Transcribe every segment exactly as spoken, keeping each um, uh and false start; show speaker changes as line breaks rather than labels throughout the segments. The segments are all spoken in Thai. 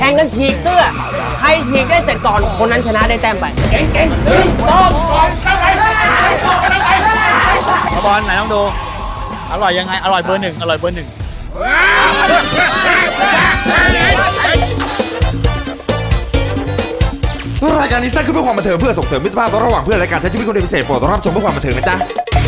ข่งกันฉีกเสื้อใครฉีกได้เสร็จก่อนคนนั้นชนะได้แต้มไปเก่งเก่งหนึ่งสองสองตั้งไป
บอลไหนต้องดูอร่อยยังไงอร่อยเบอร์หนึ่งอร่อยเบอร์หนึ่ง
รายการนี้สร้างขึ้นเพื่อความบันเทิงเพื่อส่งเสริมมิตรภาพระหว่างเพื่อนและการใช้ชีวิตคนพิเศษโปรดรับชมเพื่อความบันเทิงนะจ๊ะ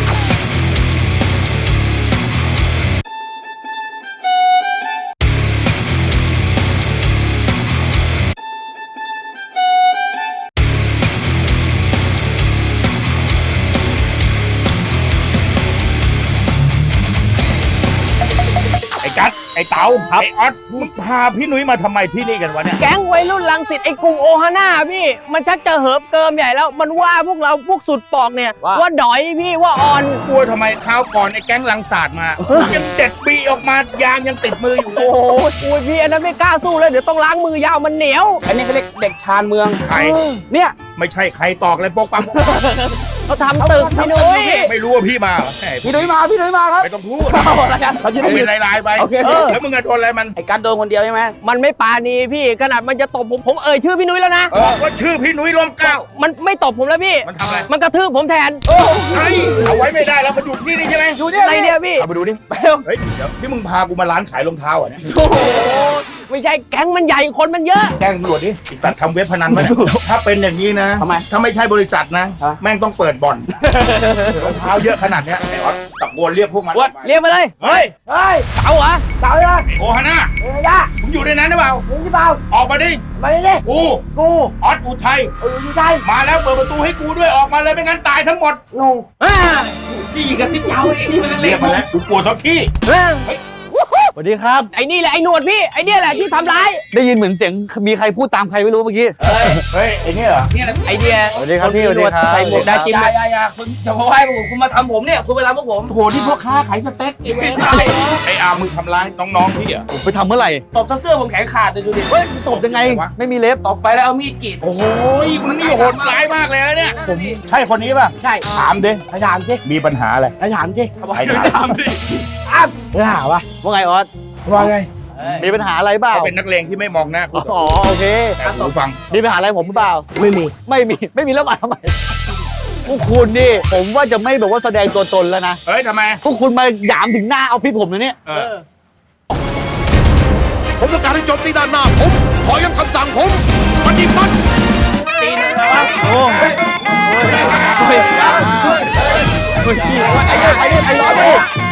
ไอ้กั๊ดไอ้เต๋าไอ้ออสมึงพาพี่นุ้ยมาทำไมที่นี่กันวะเนี่ย
แก๊งวัยรุ่นรังสิตไอ้กลุ่มโอฮาน่าพี่มันชักจะเหิบเกิมใหญ่แล้วมันว่าพวกเราพวกสุดปอกเนี่ยว่าดอยพี่ว่าอ่อน
กลัวทำไมคราวก่อนไอ้แก๊งลังศาสตร์มายังเด็ดบีออกมายางยังติดมืออยู่เลย
โอ้โหพี่อันนั้นไม่กล้าสู้เลยเดี๋ยวต้องล้างมือยาวมันเหนียวอันนี้เขาเรียกเด็กชานเมือง
ใคร
เนี่ย
ไม่ใช่ใครตอกเลยโป๊กปั๊ม
เขาทำตึกพี่นุ้ย
ไม่รู้ว่าพี่มา
พี่นุ้ยมาพี่นุ้ยมาครับ
ไม่ต้องพูดเขาจะได้เป็นลายๆไปแล้วมึงจะทนอะไรมัน
ไอ้การโดนคนเดียวใช่ไหมมันไม่ปาณีพี่ขนาดมันจะตบผมผมเอ่ยชื่อพี่นุ้ยแล้วนะ
บอกว่าชื่อพี่นุ้ยร่มเกล้า
มันไม่ตบผมแล้วพี่
มันทำอะไร
มันกระทืบผมแทน
โอ้ยเอาไว้ไม่ได้แล้วมาอยู่ที่นี่ใช่ไหม
อยู่ที่ไหนเนี่ยพี่
เอาไปดูดิเฮ้ยเดี๋ยวนี่มึงพากูมาร้านขายรองเท้าอ่ะเนี่ย
โอ้โหไม่ใช่แก๊งมันใหญ่คนมันเยอะ
แก๊งตำรวจดิแต่ทำเว็บพนันมาถ้าเป็นอย่างนี้นะ
ทำไม
ถ้าไม่ใช่บริษัทนะแม่งต้องเปิดบ่อนรองเท้าเยอะขนาดเนี้ยไอ้ออสตะโกนเรียกพวกมัน
เรียกมาเลย
เฮ้ย
เฮ้ยเต่าเหรอเต่าเหรอ
โอฮาน่า
เฮ้ยย่า
มึงอยู่ในนั้นหรือเปล่า
อยู่ที่เปล่า
ออกมาดิ
มาดิ
กู
กู
ออสอุทัย
เอออุทัย
มาแล้วเปิดประตูให้กูด้วยออกมาเลยไม่งั้นตายทั้งหมด
งูอ่าพี่กระซิบยาวเองนี่มันเล็ก
มาแล้วกูปวดท้องที่
เฮ้ย
สวัสดีครับ
ไอ้นี่แหละไอ้หนวดพี่ไอ้นี่แหละที่ทำร้าย
ได้ยินเหมือนเสียงมีใครพูดตามใครไม่รู้เมื่อกี้
เฮ้ยไอ้นี่เหรอ
ไอ้เนี่ย
สวัสดีครับพี่สวัสดีครับ
ใส่หมวกได้จริงไหม
ยายาคุณจะมาให้ผมคุณมาทำผมเนี่ยคุณไปทำพวกผม
โหที่พ่อค้าขายสเต็กไอ้เว้ย
ไอ้อามึงทำร้ายน้องๆพี่อ่ะ
ผมไปทำเมื่อไหร่
ตบเสื้อผมแขนขาดเลยดูดิ
เฮ้ยตบยังไงไม่มีเล็บ
ตบไปแล้วเอามีดกรีด
โอ้ยมึงนี่โหดร้ายมากเลยนะเนี่ยผมใช่คนนี้ป่ะ
ใช่
ถามดิ
ถามสิ
มีปัญหาอะไร
ถามสิ
ถามสิ
อ้าวถามว่า
ว่าไงออส
ว่าไง
มีปัญหาอะไรบ้าง
เขาเป็นนักเลงที่ไม่มองหน้าคุณ
อ๋อโอเค
แต่หูฟัง
มีปัญหาอะไรผมหรือเปล่า
ไม่มี
ไม่มีไม่มีแล้วมาทำไมพวกคุณนี่ผมว่าจะไม่แบบว่าแสดงตัวตนแล้วนะ
เฮ้ยทำไม
พวกคุณมาหยามถึงหน้าออฟฟิศผมเลยเนี่ย
ผมต้องการให้โจมตีด้านหน้าผมขอย้ำคำสั่งผมปฏิบัติ
ตีนอะไรวะโอ้ยไอ้เนี่ยไอ้เนี่ยไอ้ร้อนดิ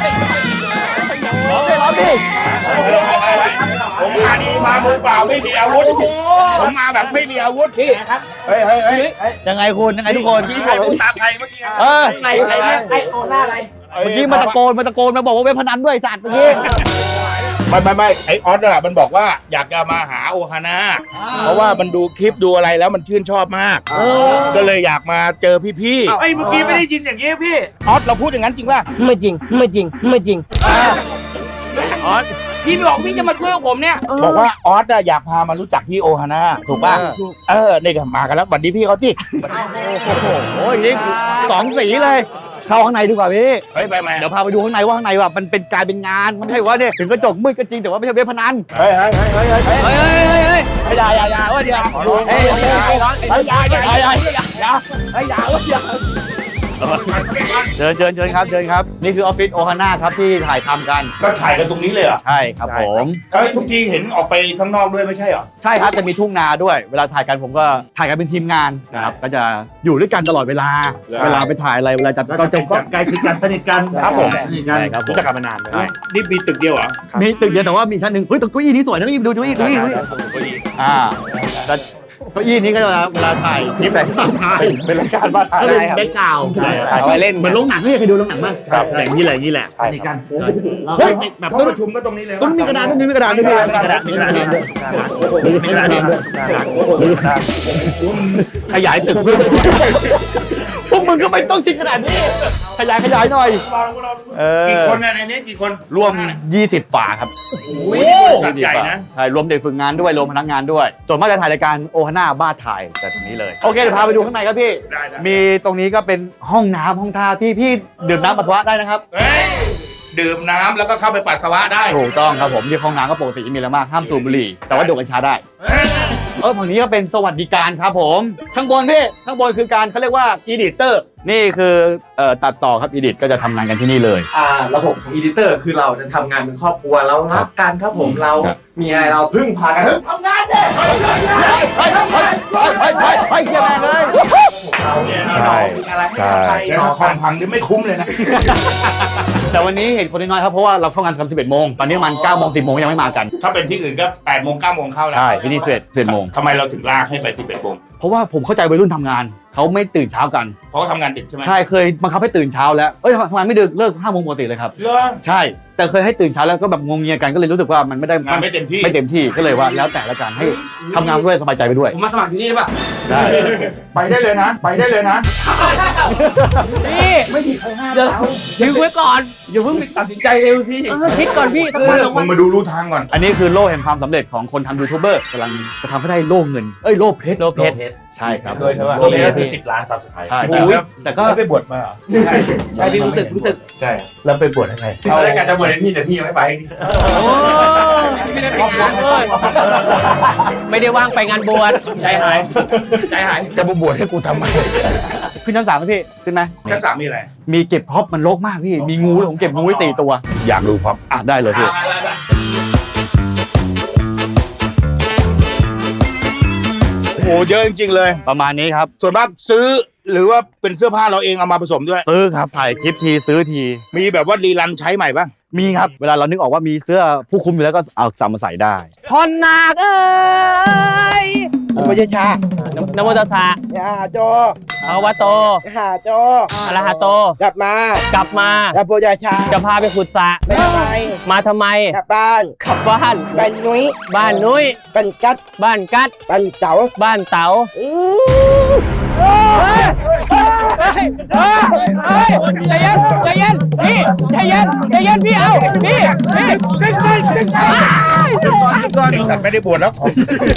ร้อนดิ
ผมมาดีมามือเปล่าไม่มีอาวุธผมมาแบบไม่มีอาวุธพี่ครับเฮ้ยเฮ้ยเฮ้ย
ยังไงคุณยังไงทุกคน
ที่ผมตามใครเมื่อกี้
เออ
ไอ้ไอ้ไอ้โอหน้าอะไร
เมื่อกี้มาตะโกนมาตะโกนมาบอกว่าเว็บพนันด้วยสัตว์เมื่อกี้
ไม่ไม่ไม่ไอออสน่ะมันบอกว่าอยากจะมาหาโอฮาน่าเพราะว่ามันดูคลิปดูอะไรแล้วมันชื่นชอบมากก็เลยอยากมาเจอพี่ๆ
ไอ้เมื่อกี้ไม่ได้ยินอย่างนี้พี่
ออสเราพูดอย่างนั้นจริงป่ะ
ไม่จริงไม่จริงไม่จริง
ออสพี่บอกพี่จะมาช่วยผมเนี่ย
บอกว่าออสอยากพามารู้จักพี่โอฮาน่าถูกป่ะเออนี่ก็มากันแล้ววันนี้พี่เขาที่
โอ้โหโอ้ยนี่สองสีเลยเข้าข้างในดีกว่าพี่
เฮ้ยไปไหม
เดี๋ยวพาไปดูข้างในว่าข้างในว่ามันเป็นการเป็นงานมันไม่ใช่ว่าเนี่ยถึงกระจกมืดก็จริงแต่ว่าไม่ใช่เว็บพนัน
เฮ้ยเฮ้ยเฮ้ยเฮ้ยเฮ้ย
เฮ้ยเฮ้ยเฮ้ย
อย่าอย่าอย่าว่าอย่า
เฮ้ยเฮ้ยเฮ้ยเฮ้ยอย่าอย่าอย่าอย่าอย่าเฮ้ยอย่าอย่า
เชิญเชิญเชิญครับเชิญครับนี่คือออฟฟิศโอฮาน่าครับที่ถ่ายทำกัน
ก็ถ่ายกันตรงนี้เลยเหรอ
ใช่ครับผม
ทุกทีเห็นออกไปข้างนอกด้วยไม่ใช่เหรอ
ใช่ครับจะมีทุ่งนาด้วยเวลาถ่ายกันผมก็ถ่ายกันเป็นทีมงานนะครับก็จะอยู่ด้วยกันตลอดเวลาเวลาไปถ่ายอะไรเวลาจะก็จะ
ใกล้ชิดกันสนิทกัน
ครับผม
ใช่ครับรู้จักกันมานานเลยนี่มีตึกเดียวเหรอ
มีตึกเดียวแต่ว่ามีชั้นหนึ่งเฮ้ยตึกเก้าอี้นี้สวยนะนี่ดูเก้าอี้เก้าอี้อ่าเก้าอี้นี้ก็เวลาถ่ายคลิปแบบถ่าย
เป็นรายการบ้านถ่าย
เป็นแบ็คกราวด์
เอาไปเล่น
เหมือนโรงหนังนี่เคยดูโรงหนังมั้ยครับอย่างนี้แหละอย่างนี้แหละ
สนิทกันแบบประชุมก็ตรงนี้เลย
ต้องมีกระดาษต้องมีกระดาษด้วยมีกระดาษมีกระดาษด้วยมีกระดาษด้วย
ขยายตึก
พวกมึงก็ไม่ต้องชิดขนาดนี้ขยายขยายหน่อย
กี่คนในนี้กี่คน
รวมยี่สิบฝาครับ
โอ้ยสัตว์ใหญ่นะ
ใช่รวมเด็กฝึกงานด้วยรวมพนักงานด้วยส่วนมากจะถ่ายรายการโอฮาน่าบ้าถ่ายแต่ตรงนี้เลยโอเคเดี๋ยวพาไปดูข้างในครับพี่มีตรงนี้ก็เป็นห้องน้ำห้องท่าพี่พี่ดื่มน้ำปัสสาวะได้นะครับ
ดื่มน้ำแล้วก็เข้าไปปัสสาวะได้
ถูกต้องครับผมที่ห้องน้ำก็ปกติมีแล้วมากห้ามสูบบุหรี่แต่ว่าดูดกัญชาได้เออฝั่งนี้ก็เป็นสวัสดิการครับผมข้างบนพี่ข้างบนคือการเขาเรียกว่าอีดิเตอร์นี่คือเอ่อตัดต่อครับอีดิตก็จะทำงานกันที่นี่เลย
อ่าระบบของอีดิเตอร์คือเราจะทำงานเป็นครอบครัวเรารักกันครับผมเรามีอะไรเราพึ่งพากันทำงานเนี่ย
เฮ้ยเฮ้ยเฮ้ยเฮ้ยเฮ้ยเฮ้ยเฮ้ยเกี่ยวแม่เลย
เราเนี่ย
ใช่
มีอะไรให้ทำไป
แล้วถ้าคอมพังนี่ไม่คุ้มเลยนะ
แต่วันนี้เห็นคนน้อยครับเพราะว่าเราเข้างานกันสิบเอ็ดโมงตอนนี้มันเก้าโมงสิบโมงยังไม่มากัน
ถ้าเป็นที่อื่นก็แปดโมงเก้าโมงเข้าแล้ว
ใช่ที่นี่สิบเอ็ดสิบเอ็ดโมง
ทำไมเราถึงลากให้ไปสิบเอ็ดโมง
เพราะว่าผมเข้าใจวัยรุ่นทำงานเขาไม่ตื่นเช้ากัน
เพราะเขาทำงานดึกใช่ไหม
ใช่เคยบังคับให้ตื่นเช้าแล้วเอ้ยทำงานไม่ดึกเลิกห้าโมงปกติเลยครับ
เหรอ
ใช่แต่เคยให้ตื่นเช้าแล้วก็แบบงงเงียกันก็เลยรู้สึกว่ามันไม่ได้
งานไม่เต็มที่
ไม่เต็มที่ก็เลยว่าแล้วแต่ละกันให้ทำงานด้วยสบายใจไปด้วย
ผมมาสมัครที่นี่ได้ป่ะ
ได้
ไปได้เลยนะ ไปได้เลยนะ
พี่
ไม่มีใครห้าม
เดี๋ยว
เรา
ดึงไว้ก่อน
อย่าเพิ่งตัดสินใจเร็วสิ
เออคิดก่อนพี่สักวันสอง
มึ
วัน
งมาดูรู้ทางก่อน
อันนี้คือโล่แห่งความสำเร็จของคนทำยูทูบเบอร์กำลังจะทำให้ได้โล่เงินเอ้ยโล่เพชร
โลเพชร
ใช่ครับ
โดยใช่ไหม
โล่เพชร
คือสิบล้านซับสไครต์
ใช่
โอ้โห
แต่ก็
ไปบวชมาเหรอ
ใช่พี่รู้สึกรู้สึก
ใช่แล้วไปบวชยังไงเอาแล้วกันจะบวชให้พี่แต่พี่ยังไม่ไป
โอ้ไม่ได้ไปงานเลยไม่ได้ว่างไปงานบวช
ใจหายใจหาย
จะบวชให้กูทำไม
ขึ้นชั้นสามไหมพี่ขึ้นไหม
ชั้นสามมีอะไร
มีเก็บพ็อปมันรกมากพี่มีงูด้วยผมเก็บงูไว้สี่ตัว
อยากดูพร้อม
อ่ะได้เลยพี่
โอ้โหเยอะจริงๆเลย
ประมาณนี้ครับ
ส่วนมากซื้อหรือว่าเป็นเสื้อผ้าเราเองเอามาผสมด้วย
ซื้อครับถ่ายคลิปทีซื้อที
มีแบบว่ารีรันใช้ใหม่ป่ะ
มีครับเวลาเรานึกออกว่ามีเสื้อผู้คุมอยู่แล้วก็เอาสามมาใส่ได้
พรนาคเอ้ย
ไม่ใช่ชา
นะโมตัสสะ
อย่าโจ
ภะคะวะโต
หาโจ
อะระหะโต
กลับมาก
ลับมา
แล้วโพยาชา
จะพาไปขุดสระ
ไม่ทำไม
มาทำไม
กลับบ้าน
กลับบ้าน
เป็นนุ้ย
บ้านนุ้ย
เป็นกัด
บ้านกัด
เป็นเต๋า
บ้านเต๋า
อื้อ
เฮ้ยเฮ้ยเฮ้ยเฮ้ยใจเย็นใจเย็นพี่ใจเย็นใจเย็นพี่เอาพี่พี่ซิงไปซิงไป
ไอสัตว์ไม่ได้บวชแล้วของ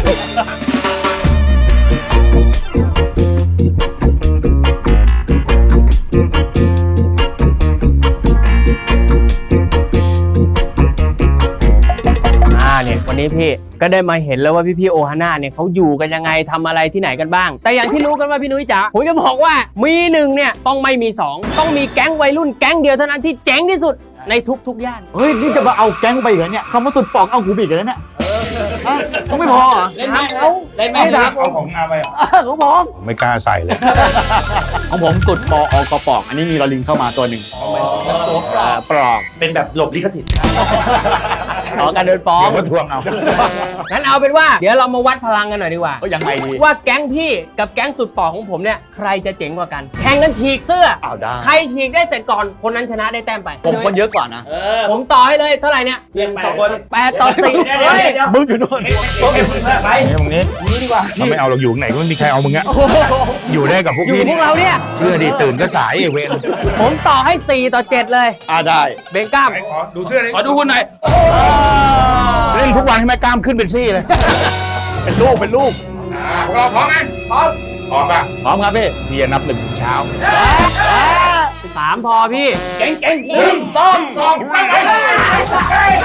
อ่าเนี่ยวันนี้พี่ก็ได้มาเห็นแล้วว่าพี่พี่ๆโอฮาน่าเนี่ยเขาอยู่กันยังไงทำอะไรที่ไหนกันบ้าง แต่อย่างที่รู้กันว่าพี่นุ้ยจ๋าผมจะบอกว่ามีหนึ่งเนี่ยต้องไม่มีสองต้องมีแก๊งวัยรุ่นแก๊งเดียวเท่านั้นที่เจ๋งที่สุดในทุกๆย่าน
เฮ้ยนี่จะมาเอาแก๊งไปอีกเหรอเนี่ยคำว่าสุดปอกเอากูบีกเลยเนี่ยฮะเขาไม่พอเหรอ
เล่นไหมเขาเล่นไหม
ไม่
ค
ได้
รับ
เอาของงานไปเหรอ
เขาพอ
ไม่กล้าใส่เลย
ของผมสุดปออกปอกอันนี้มีลอลิงเข้ามาตัวหนึ่งอ่าปลอก
เป็นแบบหลบลิขสิทธิ์
ขอการเดินฟ้อง
เดี๋ยวมาทวงเอา
งั้นเอาเป็นว่าเดี๋ยวเรามาวัดพลังกันหน่อยดีกว่า
ก็ยังไงดี
ว่าแก๊งพี่กับแก๊งสุดปอกของผมเนี่ยใครจะเจ๋งกว่ากันแข่งกันฉีกเสื้อ
อ้าวได้
ใครฉีกได้เสร็จก่อนคนนั้นชนะได้แต้มไป
ผมคนเยอะกว่านะ
เออ
ผมต่อให้เลยเท่าไหร่เนี่ย
เรียนสองคน
แปดต่อสี่
เดี๋ยวเดี๋ยว
เฮ้ย
เดี๋ยว
มึงอยู่นู่น
โอเคมึงไป
ไอ้มึงนี้
นี่ดีกว่า
เขาไม่เอาเราอยู่ไหนก็ไม่มีใครเอามึงอะอยู่ได้กับพวก
อยู่
พี่
พวกเราเนี่ย
เชื่อดิตื่นก็สายไอ้เวร
ผมต่อให้สี่ต่อเจ็ดเลย
อ่าได้
เบงก้าม
ไหนขอดูเสื้อเลย
ขอดูคุณหน่อย
เล่นทุกวันให้แม่กล้ามขึ้นเป็นซี่เลย
เป็นลูกเป็นลูก
อ่าพวกเราพร้อมไหมพร้อมพร้อมป่ะ
พร้อมครับพี่
พี่จะนับหนึ่งถึงเช้า
สามพอพี่
เก่งเก่งหนึ่งสองสองไปไปไป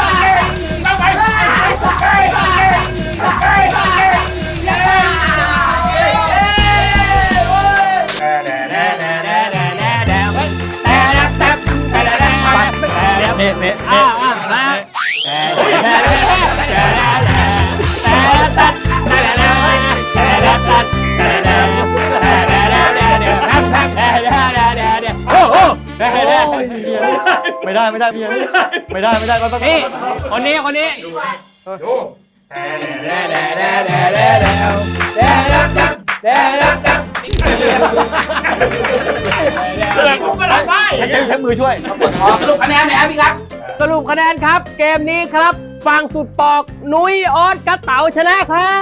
นี่นี่อ่าอ่ามาโอ้โห
ไม่ได้ไม่ได้พี่ไม่ได้ไม่ได้ไม่ได้
นี่คนนี้คนนี้
ดู
ใช้ใช้มือช่วย
สรุปคะแนนหน่อยครับพี่ครับ
สรุปคะแนนครับ เกมนี้ครับฝั่งสุดปอกนุ้ยออสกระเต๋าชนะครับ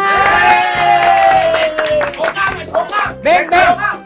เบงเบง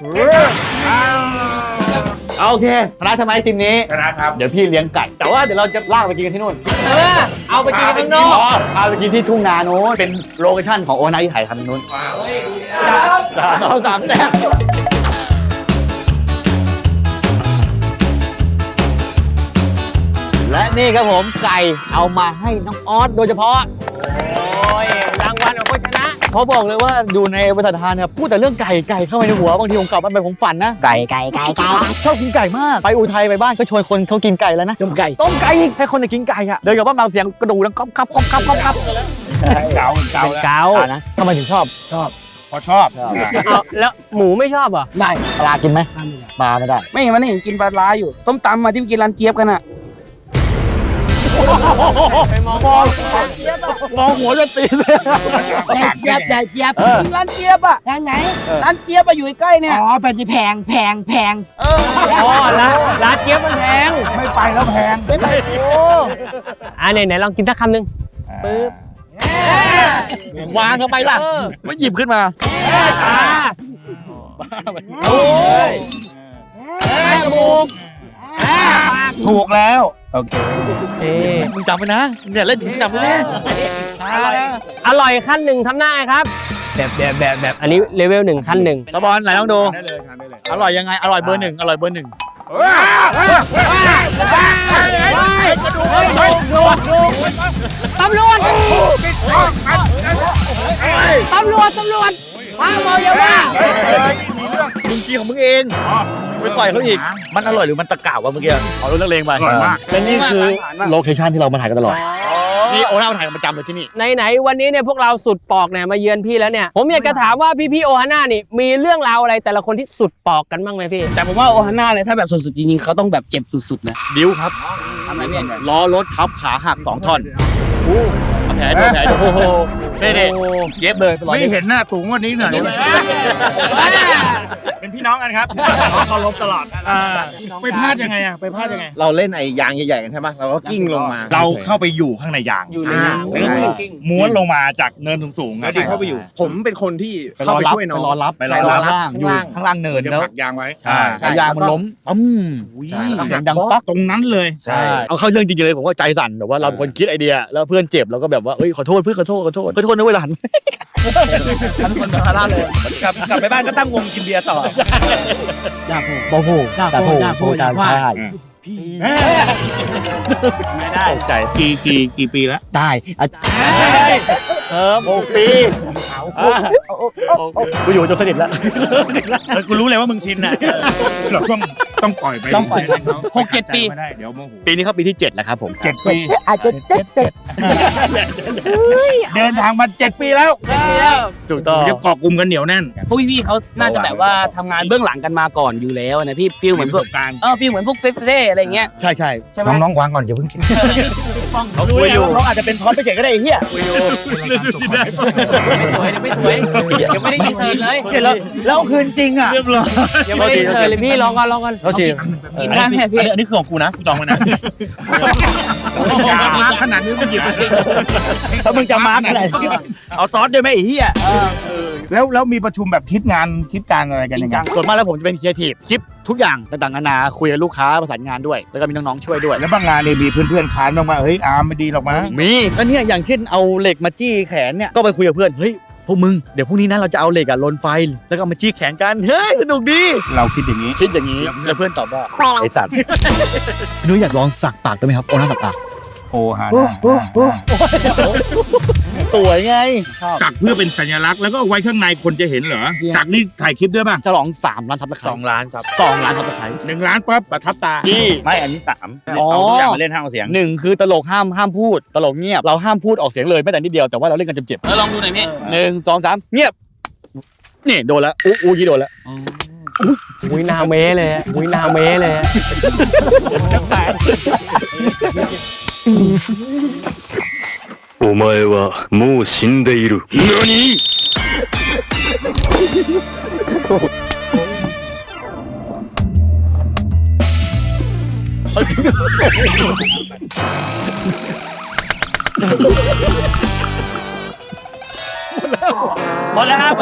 โอเคชนะทำไมทีมนี้
ชนะครับ
เดี๋ยวพี่เลี้ยงไก่ แต่ว่าเดี๋ยวเราจะลากไปกินกันที่นู่น
เออเอาไปกินข้างนอก
พาไปกินที่ทุ่งนาโน้นเป็นโลเคชั่นของโอนาที่ถ่ายทำที่นู้นเราสามแต้ม
ร
และนี่ครับผมไก่เอามาให้น้องออสโดยเฉพาะ
โอ้ยรางวัลของคนชนะ
เขาบอกเลยว่าดูในบริษัททานเนี่ยพูดแต่เรื่องไก่ไก่เข้าไปในหัวบางทีผมกลับบ้านไปผมฝันนะไก่ไก่ไก่ไก่ชอบกินไก่มากไปอุทัยไปบ้านก็ชวนคนเขากินไก่แล้วนะต้มไก่ต้มไก่อีกให้คนจะกินไก่อะเดินกลับบ้านมาเสียงกระดูกดังก๊อบก๊อบก๊อบก๊อบก๊อบก๊อบ
เกาเกา
เป็น
แล้ว
เกา
อ่านะทำไมถึงชอบ
พอชอบ
เอาแล้วหมูไม่ชอบเหรอ
ได้
ปลากินไหมปลาไม่ได้
ไม่เห็นมันเห็นกินปลาร้าอยู่ต้มตำมาที่ไปกินร้านเจี๊ยบกันอ่ะ
ไปมอง
มองมองหัวจะตีเลย
เจี๊ยบใหญ่เจี๊ยบ
เออ
กินร้านเจี๊ยบอ่ะ
ทางไหน
ร้านเจี๊ยบอะอยู่ใกล้ๆเนี่ย
อ๋อเป็นที่แพงแพงแพง
อ๋อร้านร้านเจี๊ยบมันแพง
ไม่ไปแล้วแพง
โอ้อ่าไหนไหนลองกินสักคำหนึ่งปึ๊บ
วางเข้าไปล่ะ
เออ
ไม่หยิบขึ้นมา
อ่า
โอ้ย
ถูกแล้วโอเค
เอ๊ะ
มึงจำไว้นะเนี่ยเล่นถึงจำไว้นะ
อร่อยอร่อยขั้นหนึ่งทำหน้าไงครับ แบบแบบแบบแบบอันนี้เลเวลหนึ่งขั้นหนึ่ง
สปอนไหนลองดู
ได้เลยทานได้เลย
อร่อยยังไงอร่อยเบอร์หนึ่งอร่อยเบอร์หนึ่ง
ตำรวจตำรวจตำรวจมาเมายาบ้า
มึงกินของมึงเองไปปล่อยเขาอีก
มันอร่อยหรือมันตะกาววะเมื่อกี้
เอาเรื่องเลงไป
อร่อยมาก
และนี่คือโลเคชั่นที่เรามาถ่ายกันตลอดนี่โอน่ามาถ่ายกันประจำเลยที่นี่
ไหนๆวันนี้เนี่ยพวกเราสุดปอกเนี่ยมาเยือนพี่แล้วเนี่ยผมอยากจะถามว่าพี่พี่ๆโอฮาน่านี่มีเรื่องราวอะไรแต่ละคนที่สุดปอกกันบ้างไหมพี่
แต่ผมว่าโอฮาน่าเนี่ยถ้าแบบสุดๆจริงๆเขาต้องแบบเจ็บสุดๆนะ
ดิ้วครับ
ทำไมเนี่ย
ล้อรถทับขาหักสองท่อนเอาแผลดูแผลดูโอ้โหนี่นี่เย็บเลยเป็นรอย
ไม่
เย็บ
เห็นหน้าถุงวันนี้หน่อยได้ไหม
เป็นพี่น้องกันครับเคารพตลอด
ไปพลาดยังไงอะไปพลาดยังไง
เราเล่นไอ้ยางใหญ่ๆกันใช่ไหมเราก็กิ้งลงมา
เราเข้าไปอยู่ข้างในยาง
อยู่ในน้ำ
อ่า
กิ้ง
ม้วนลงมาจากเนินสูงๆ
แล้วดิเข้าไปอยู่ ผมเป็นคนที่
ไปร
เข้า
อ
ไป
รับ
ช่วยน้อง
ไปรอรับ
ไปรอรับ
ข้างล่างอยู่
ข้างล่าง
ข้างล่างเนิน
จะ
แล้ว
ผลักยางไว้
ใช่
แล้วยางมันล้มปั๊ม
ใช่
เสียงดังป๊อก
ตรงนั้นเลย
ใช่
เอาเข้าเรื่องจริงๆเลยผมว่าใจสั่นแบบว่าเราเป็นคนคิดไอเดียแล้วเพื่อนเจ็บเราก็แบบว่าเอ้ยขอโทษเพื่อนขอโทษขอโทษขอโทษนะเวลา
ทั้งคนภาระเลย
กลับกลับไปบ้านก็ตั้งวงกินเบียร์ต่อ
อยากพูด
โอ้โห
จ้าโพจ้าโพจ้าว่า
ไม่ได้ใจ
กี่กี่กี่ปีแล้ว
ตายอาจารย์เออหกปีกูอยู่จนสนิทแล้ว
กูรู้เลยว่ามึงชินน่ะ
เราต้องต้องปล่อยไป
ต้องปล่อย
ให้ขา
หกเจ็ดปี
ไม่ได้เดี๋ยวโมโห
ปีนี้เข้าปีที่เจ็ดแล้วครับผม
เจ็ดปี
อาจจะเจ็ดเจ็ด
เดินทางมาเจ็ดปีแล้ว
ถูกต้อง
จะเกาะกลุ่มกันเหนียวแน่น
พวกพี่ๆเขาน่าจะแบบว่าทำงานเบื้องหลังกันมาก่อนอยู่แล้วนะพี่ฟีลเหมือนพวก
ประสบการณ์
เออฟีลเหมือนพวกเฟสเดย์อะไรเงี้ย
ใช่ใช่
ใช่ไหม
น้องๆวางก่อนอย่าเพิ่งกิน
เขาคุยอยู่
เขาอาจจะเป็นพร้อมไปเฉยก็ได้ไอ้เหี้ย
ไม่สวยเนี่ยไม่สวยยังไม่ได้ยินเธอเลย
เสร็จแล้วแล้วคืนจริงอ่ะ
ยังไม่ได้ยินเธอเลยพี่ลองก่อนลองก่อน
เขาที
กินได้ไหมพี่
อันนี้คือของกูนะกูจองไว้นะ
ยามาขนาดนี้มันหยิบไป
ถ้ามึงจะมาร์กอะไรเอาซอสด้วยไหมไอ้เหี้ย
แล้วแล้วมีประชุมแบบคิดงานคิดการอะไรกันยังไง
ส่วนมากแล้วผมจะเป็นครีเอทีฟคิดทุกอย่างต่างๆนานาคุยกับลูกค้าประสานงานด้วย แล้วก็มีน้องๆช่วยด้วย
แล้วบางงานเนี่ยมีเพื่อนๆค้านบ้างว่าเฮ้ยอาร์มไม่ดีหรอกมั้ง
มีก็เนี่ยอย่างเช่นเอาเหล็กมาจี้แขนเนี่ยก็ไปคุยกับเพื่อนเฮ้ยพวกมึงเดี๋ยวพรุ่งนี้นะเราจะเอาเหล็กอะลนไฟแล้วก็เอามาจี้แขนกันเฮ้ยสนุกดี
เราคิดอย่างนี้
คิดอย่างนี้แล้วเพื่อนตอบว่า
ไอสัตว์
นุ้ยอยากลองสักปากได้ไหมครับโอ้น่าสักปาก
โอฮาน่า
สวยไง
สักเพื่อเป็นสัญลักษณ์แล้วก็เอาไว้ข้างในคนจะเห็นเหรอสักนี่ถ่ายคลิปด้วยป่ะ
จะลองสามล้านซับสไคร
สอง
ต์
ล้านครับ
สองล้านซับสไครต์
หนึ่งล้านปั๊บประทับตา
จี้
ไม่อันนี้สาม
อ๋อ
เอาทุกอย่างมาเล่นห้าเอาเสียง
หนึ่งคือตลกห้ามห้ามพูดตลกเงียบเราห้ามพูดออกเสียงเลยแม้แต่นิดเดียวแต่ว่าเราเล่นกันเจ็บ
เออลองดูหน่อยพี่
ๆหนึ่งสองสามเงียบนี่โดนแล้วอู้อู้ยี่โดนแล้ว
อุ้ยนาเมเลยอะอุ้ยนาเมเลยอะ
お前はもう死んでいる。何？
หมดแล้วครับ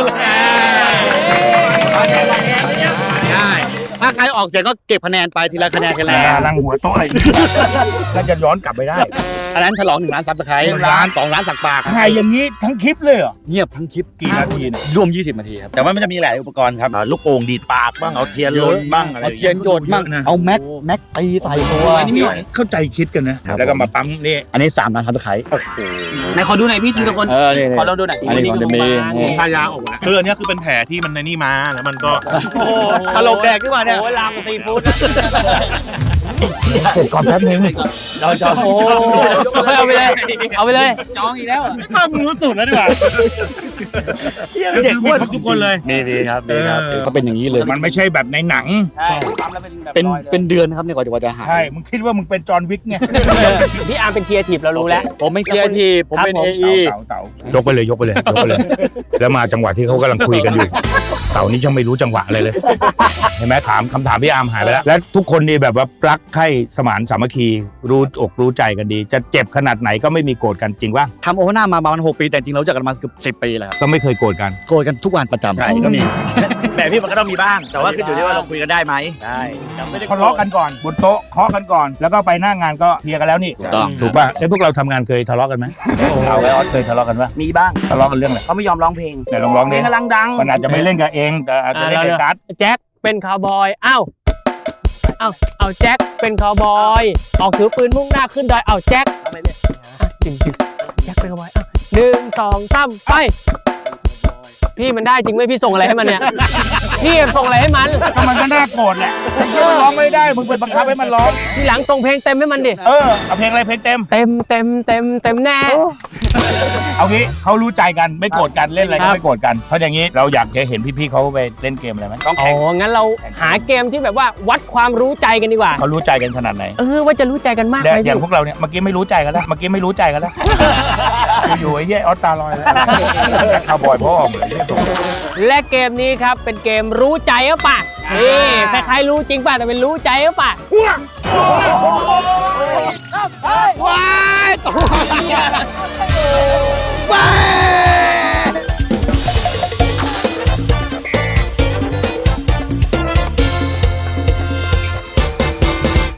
ถ้าใครออกเสียงก็เก็บคะแนนไปทีละคะแนนกันแล้ว
ลังหัวโต๊ะอะไรก็จะย้อนกลับไปได้
อันนั้นฉลองหนึ่งล้านซับสไครต์
หนึ่งล้าน
สองล้านสักปาก
ถ่ายอย่างนี้ทั้งคลิปเลยเหรอ
เงียบทั้งคลิป
กี่นาทีเนี่ย
รวม ยี่สิบ นาทีครับ
แต่ว่ามันจะมีหลายอุปกรณ์ครับอ่าลูกโป่งดีดปากบ้าง เอาเทียนลนบ้างอะไรอ
เอา
ย่าง
เทีย
เงี้ย
นโยนบ้างเอาแม็กแม็กตีใส่ตัว
อันนี้มีหน่อย
เข้าใจคิดกันนะ แล้วก็มาปั๊มนี่
อันนี้สามล้านซับสไครต์
ไหนขอดูหน่อยพี่ทีละคน
เออนี่
ขอลองดูหน่อย
อันนี้ของเดมี่
พายาออกมาคืออันเนี้ยคือเป็นแผลที่มันในนี่มาแล้วมันก็
โอ้ตลกแดกขึ้นมาเนี่ย
โอ้ยลามซีฟู้ด
เสร็จก่อนแป๊บนึง
เราจะ
โอ้เอาไปเลย เอาไปเลย
จองอีกแล้วเหรอ
ข้ามรู้สุดแล้วดีกว่า
เด็ก
มีครบทุกคนเลย
นี่ดีครับดีครับ
เออ
ก็เป็นอย่างนี้เลย
มันไม่ใช่แบบในหนัง
ใช่ปั๊มแล้วเป็นแบบ
เป็น
รอยลย
เป็นเดือนนะครับเนี่ยกว่าจะกว่าจะหาย
ใช่มึงคิดว่ามึงเป็นจอห์นวิกไง
พี่อาร์มเป็นครีเอทีฟเรารู้แล้ว
ผมเป็นครีเอทีฟผมเป็น
ครับผม
เอไอ
เต๋าเต๋ายกไปเลยยกไปเลยยกไปเลย แล้วมาจังหวะที่เขากำลังคุยกันอยู่ เต่านี่ช่างไม่รู้จังหวะอะไรเลย เห็นไหมถามคำถามพี่อาร์มหายไปแล้ว และทุกคนนี่แบบว่ารักใคร่สมานสามัคคีรู้อกรู้ใจกันดี จะเจ็บขนาดไหนก็ไม่มีโกรธกันจริงป่ะ
ทำโอเวอร์หน้ามาประมาณหกปีแต่จริงเรารู้จักกันมาเกือบสิบปีแล้วครับ
ก็ไม่เคยโกรธกัน
โกรธกันทุกวันประจำ
ใช่ก็มี แบบพี่มันก็ต้องมีบ้าง แต่ว่าคืออยู่ที่ว่าเราคุยกันได้ไหม
ใช่ไม่ได้
ทะเลาะกันก่อนบนโต๊ะเคาะกันก่อน แล้วก็ไปหน้างานก็เคลียร์กันแล้วนี่
ถูกต้อง
ถูกป่ะไอ้พวกเราทำงานเคยทะเลาะกันไหมเอาไว้ออสเคยทะเลาะกันป่ะ
มีบ้าง
ทะเลาะกันเรื่องอะไร
เขาไม่ยอมร้องเพลง
ไหนลองร้อง
เพล
ดิ
งกำลังดัง
มันอาจจะไม่เล่นกับเองแต่อาจจะเล่นกับการ์ด
แจ็คเป็นคาวบอยอ้าวอ้าวเอาแจ็คเป็นคาวบอยออกถือปืนมุ่งหน้าขึ้นดอยเอาแจ็คอ่ะจริงจริงแจ็คเป็นคาวบอยอ้าวหนึ่งสองสามไป พี่มันได้จริงไหมพี่ส่งอะไรให้มันเนี่ย พี่ส่งอะไรให้มัน
ก็มันก็น่าโกรธแหละมันร้องไม่ได้มึงไปบังคับให้มันร้อง
ทีหลังส่งเพลงเต็มให้มันดิ
เออเอาเพลงอะไรเพลงเต็ม
เต็มเต็มเต็มเต็มแน่
เอางี้เขารู้ใจกันไม่โกรธกันเล่นอะไร
ครั
ก็
บ
ไม่โกรธกันเพราะอย่างนี้เราอยากจะเห็นพี่ๆเขาไปเล่นเกมอะไรไหมต้อง
อ๋
แข่ง
องั้นเราหาเกมที่แบบว่าวัดความรู้ใจกันดีกว่า
เขารู้ใจกันขนาดไหน
เออว่าจะรู้ใจกันมาก
เนี่ย
ไหม
อย่าง
พี่
พวกเราเนี่ยเมื่อกี้ไม่รู้ใจกันแล้วเมื่อกี้ไม่รู้ใจกันแล้วอยู่ๆไอ้เหี้ยออสตาลอยแล้วคาวบอยพ่อเหมือนที่ส่ง
และเกมนี้ครับเป็นเกมรู้ใจหรือเปล่านี่คล้ายๆรู้จริงป่ะแต่เป็นรู้ใจหรือเปล่า
ว้าย